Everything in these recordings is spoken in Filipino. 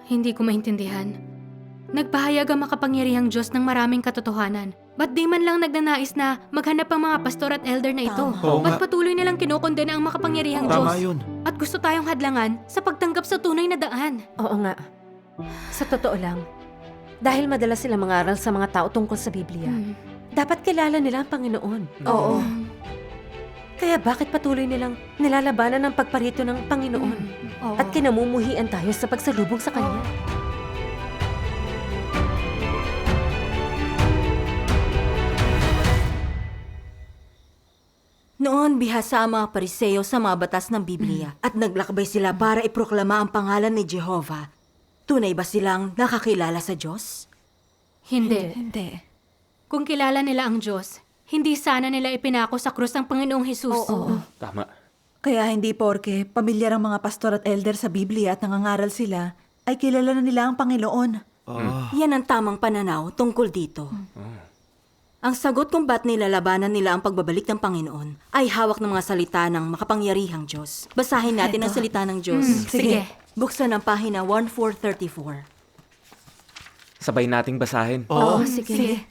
Hindi ko maintindihan. Nagpahayag ang makapangyarihang Diyos ng maraming katotohanan. Ba't di man lang nagnanais na maghanap ang mga pastor at elder na ito? Oo Ba't nga. patuloy nilang kinokondena ang makapangyarihang Tama Diyos? yun. At gusto tayong hadlangan sa pagtanggap sa tunay na daan. Oo nga. Sa totoo lang, dahil madalas sila mangaral sa mga tao tungkol sa Biblia, dapat kilala nila ang Panginoon. Oo. Kaya bakit patuloy nilang nilalabanan ang pagparito ng Panginoon? Oo. At kinamumuhian tayo sa pagsalubong sa Kanya? Noon, bihasa ang mga Pariseo sa mga batas ng Biblia at naglakbay sila para iproklama ang pangalan ni Jehovah. Tunay ba silang nakakilala sa Diyos? Hindi. Kung kilala nila ang Diyos, hindi sana nila ipinako sa krus ang Panginoong Hesus. Tama. Kaya hindi porke pamilyar ang mga pastor at elder sa Biblia at nangangaral sila, ay kilala na nila ang Panginoon. Yan ang tamang pananaw tungkol dito. Ang sagot kung ba't nilalabanan nila ang pagbabalik ng Panginoon ay hawak ng mga salita ng makapangyarihang Diyos. Basahin natin ang salita ng Diyos. Sige. Buksan ang pahina 1434. Sabay nating basahin. Oo, sige.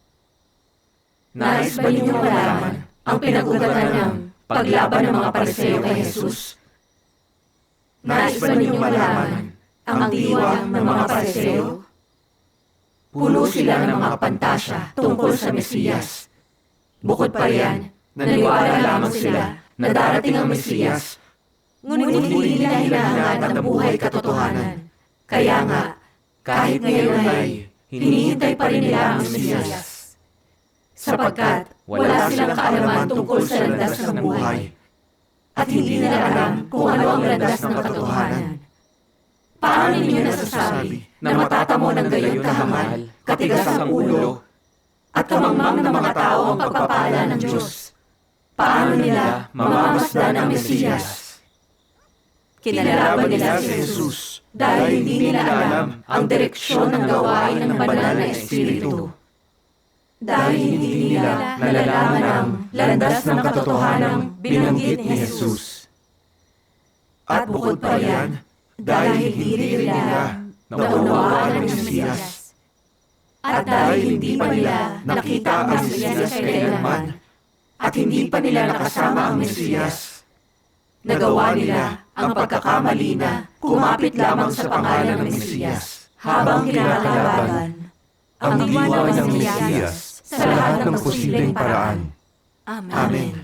Nais ba ninyong malaman ang pinag-ugatan ng paglaban ng mga Pariseo kay Jesus? Nais ba ninyong malaman ang diwa ng mga Pariseo? Puno sila ng mga pantasya tungkol sa Mesiyas. Bukod pa riyan, naniwala lamang sila na darating ang Mesiyas. Ngunit hindi nila hinahangad ang buhay katotohanan. Kaya nga, kahit ngayon ay hinihintay pa rin nila ang Mesiyas. Sapagkat wala silang kaalaman tungkol sa landas ng buhay. At hindi nila alam kung ano ang landas ng katotohanan. Paano ninyo nasasabi na matatamo ng gayon kahangal, katigas ang ulo, at kamangmang ng mga tao ang pagpapala ng Diyos? Paano nila mamamasdan ang Mesiyas? Kinalaban nila si Jesus dahil hindi nila alam ang direksyon ng gawain ng banal na Espiritu. Dahil hindi nila nalalaman ang landas ng katotohanang binanggit ni Jesus. At bukod pa riyan, dahil hindi rin nila naunawaan ang Mesiyas. At dahil hindi pa nila nakita ang Mesiyas kailanman, at hindi pa nila nakasama ang Mesiyas, nagawa nila ang pagkakamali na kumapit lamang sa pangalan ng Mesiyas habang kinakalaban ang diwa ng Mesiyas sa lahat ng posibleng paraan. Amen.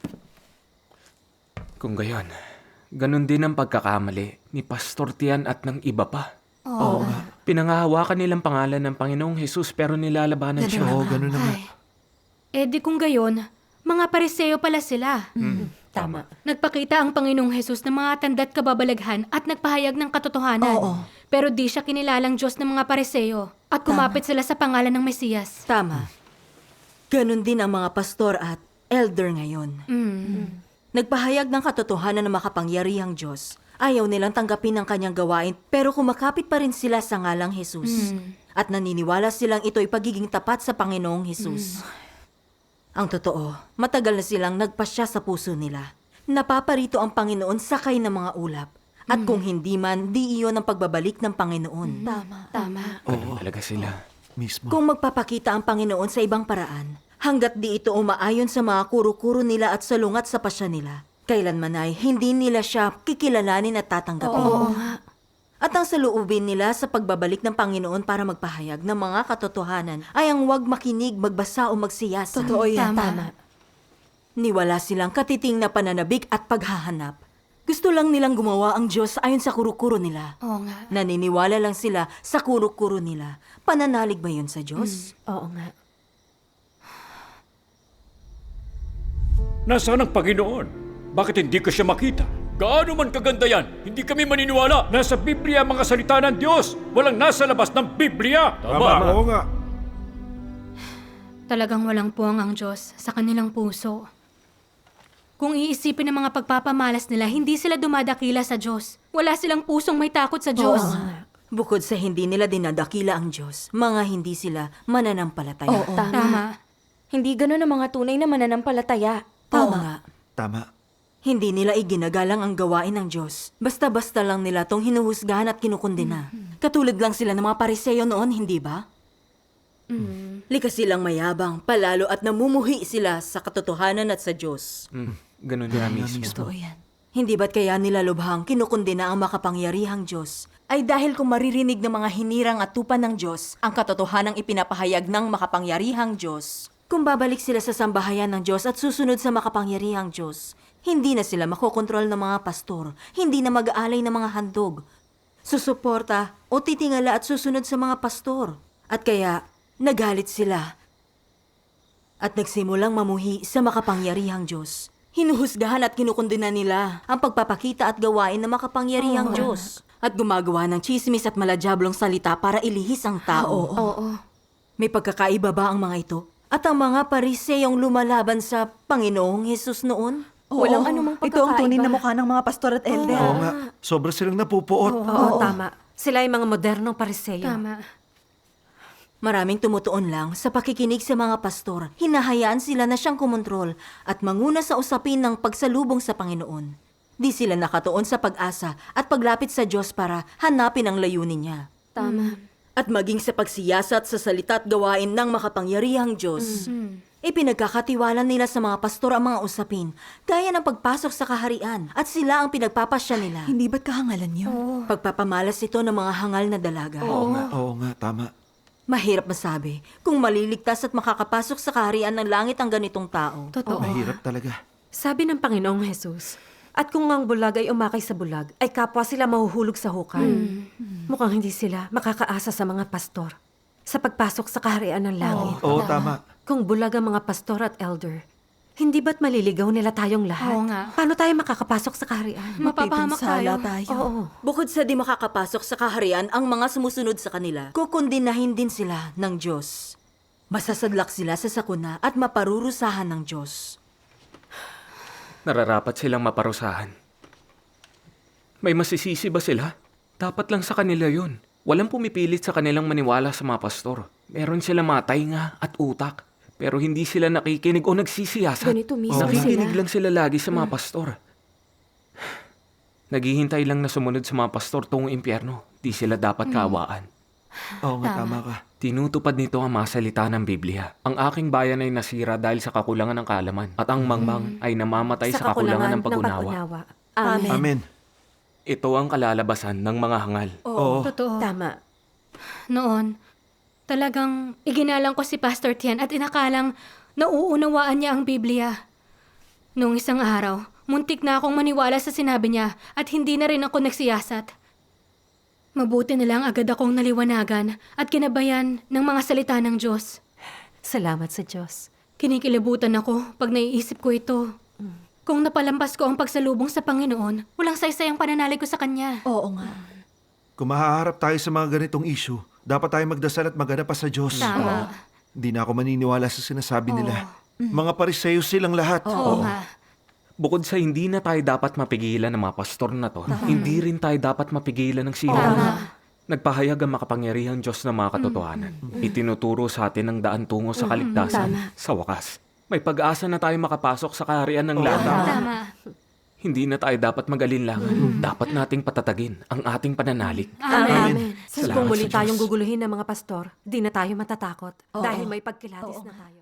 Kung gayon, ganun din ang pagkakamali ni Pastor Tian at ng iba pa. Oo. Pinangahawakan nilang pangalan ng Panginoong Jesus pero nilalabanan siya. Oo, ganun naman. Eh di kung gayon, mga Pariseo pala sila. Tama. Nagpakita ang Panginoong Hesus ng mga tanda at kababalaghan at nagpahayag ng katotohanan. Oo. Pero di siya kinilalang Diyos ng mga Pariseo at kumapit sila sa pangalan ng Mesiyas. Tama. Ganon din ang mga pastor at elder ngayon. Nagpahayag ng katotohanan ng makapangyarihang Diyos. Ayaw nilang tanggapin ang kanyang gawain pero kumakapit pa rin sila sa ngalang Jesus. At naniniwala silang ito'y pagiging tapat sa Panginoong Jesus. Ang totoo, matagal na silang nagpasya sa puso nila. Napaparito ang Panginoon sakay ng mga ulap. At kung hindi man, di iyon ang pagbabalik ng Panginoon. Tama. Ganun talaga sila. Mismo. Kung magpapakita ang Panginoon sa ibang paraan, hanggat di ito umaayon sa mga kuro-kuro nila at salungat sa pasya nila, kailanman ay hindi nila siya kikilalanin at tatanggapin. At ang saluubin nila sa pagbabalik ng Panginoon para magpahayag ng mga katotohanan ay ang huwag makinig, magbasa o magsiyasa. Totoo yan. Tama. Niwala silang katiting na pananabik at paghahanap. Gusto lang nilang gumawa ang Diyos ayon sa kuro-kuro nila. Oo nga. Naniniwala lang sila sa kuro-kuro nila. Pananalig ba yun sa Diyos? Oo nga. Nasaan ang Panginoon? Bakit hindi ko siya makita? Gaano man kaganda yan, hindi kami maniniwala. Nasa Biblia ang mga salita ng Diyos. Walang nasa labas ng Biblia. Tama. Oo nga. Talagang walang puwang ang Diyos sa kanilang puso. Kung iisipin ng mga pagpapamalas nila, hindi sila dumadakila sa Diyos. Wala silang pusong may takot sa Diyos. Bukod sa hindi nila dinadakila ang Diyos, mga hindi sila mananampalataya. Tama. Hindi ganun ang mga tunay na mananampalataya. Tama nga. Tama. Hindi nila iginagalang ang gawain ng Diyos. Basta-basta lang nila tong hinuhusgahan at kinukundina. Katulad lang sila ng mga pariseo noon, hindi ba? Likas silang mayabang, palalo at namumuhi sila sa katotohanan at sa Diyos. Ganun nga mismo. Totoo yan. Hindi ba't kaya nila lubhang kinukundina ang makapangyarihang Diyos? Ay dahil kung maririnig ng mga hinirang at tupan ng Diyos ang katotohanang ipinapahayag ng makapangyarihang Diyos. Kung babalik sila sa sambahayan ng Diyos at susunod sa makapangyarihang Diyos, hindi na sila makokontrol ng mga pastor, hindi na mag-aalay ng mga handog, susuporta o titingala at susunod sa mga pastor. At kaya, nagalit sila at nagsimulang mamuhi sa makapangyarihang Diyos. Hinuhusgahan at kinukundina nila ang pagpapakita at gawain ng makapangyarihang Diyos at gumagawa ng chismis at malajablong salita para ilihis ang tao. Oo. May pagkakaiba ba ang mga ito? At ang mga pariseyong lumalaban sa Panginoong Hesus noon? Walang anumang Ito ang tunay na pagkakaiba. mukha ng mga pastor at elder. Oo nga, sobra silang napupuot. Oo, tama. Sila ay mga modernong pariseyo. Tama. Maraming tumutuon lang sa pakikinig sa mga pastor. Hinahayaan sila na siyang kumontrol at manguna sa usapin ng pagsalubong sa Panginoon. Di sila nakatuon sa pag-asa at paglapit sa Diyos para hanapin ang layunin niya. Tama. At maging sa pagsiyasat sa salita at gawain ng makapangyarihang Diyos. Ipinagkakatiwala nila sa mga pastor ang mga usapin, gaya ng pagpasok sa kaharian at sila ang pinagpapasya nila. Hindi ba't kahangalan yun? Pagpapamalas ito ng mga hangal na dalaga. Oo nga, tama. Mahirap masabi kung maliligtas at makakapasok sa kaharian ng langit ang ganitong tao. Totoo. Mahirap talaga. Sabi ng Panginoong Jesus, at kung ang bulag ay umakay sa bulag, ay kapwa sila mahuhulog sa hukay. Mukhang hindi sila makakaasa sa mga pastor sa pagpasok sa kaharian ng langit. Oo, tama. Kung bulag ang mga pastor at elder, hindi ba't maliligaw nila tayong lahat? Oo nga. Paano tayo makakapasok sa kaharian? Mapapahamak Mapipinsala tayo. tayo. Oo. Bukod sa di makakapasok sa kaharian ang mga sumusunod sa kanila, kukundinahin din sila ng Diyos. Masasadlak sila sa sakuna at maparurusahan ng Diyos. Nararapat silang maparusahan. May masisisi ba sila? Dapat lang sa kanila yun. Walang pumipilit sa kanilang maniwala sa mga pastor. Meron sila matay nga at utak. Pero hindi sila nakikinig o nagsisiyasat. Ganito mismo Nakikinig sila. lang sila lagi sa mga pastor. Naghihintay lang na sumunod sa mga pastor tungong impyerno. Di sila dapat kaawaan. Oo nga, tama ka. Tinutupad nito ang mga salita ng Biblia. Ang aking bayan ay nasira dahil sa kakulangan ng kaalaman. At ang mangmang ay namamatay sa kakulangan ng pag-unawa. Amen. Amen. Ito ang kalalabasan ng mga hangal. Oo. Totoo. Tama. Noon, talagang iginalang ko si Pastor Tian at inakalang nauunawaan niya ang Biblia. Noong isang araw, muntik na akong maniwala sa sinabi niya at hindi na rin ako nagsiyasat. Mabuti na lang agad akong naliwanagan at kinabayan ng mga salita ng Diyos. Salamat sa Diyos. Kinikilabutan ako pag naiisip ko ito. Kung napalampas ko ang pagsalubong sa Panginoon, walang saysayang pananalig ko sa Kanya. Oo nga. Kung mahaharap tayo sa mga ganitong issue, dapat tayo magdasal at maghanap pa sa Diyos. Tama. Hindi na ako maniniwala sa sinasabi nila. Mga pariseo silang lahat. Oo nga. Bukod sa hindi na tayo dapat mapigilan ng mga pastor na to, hindi rin tayo dapat mapigilan ng sino. Nagpahayag ang makapangyarihang Diyos ng mga katotohanan. Itinuturo sa atin ang daan tungo sa kaligtasan. Sa wakas, may pag-asa na tayo makapasok sa kaharian ng langit. Tama. Hindi na tayo dapat mag-alinlangan. Dapat nating patatagin ang ating pananalig. Amen. Salamat Kung muli sa Diyos. tayong guguluhin ng mga pastor, di na tayo matatakot dahil may pagkilatis na tayo.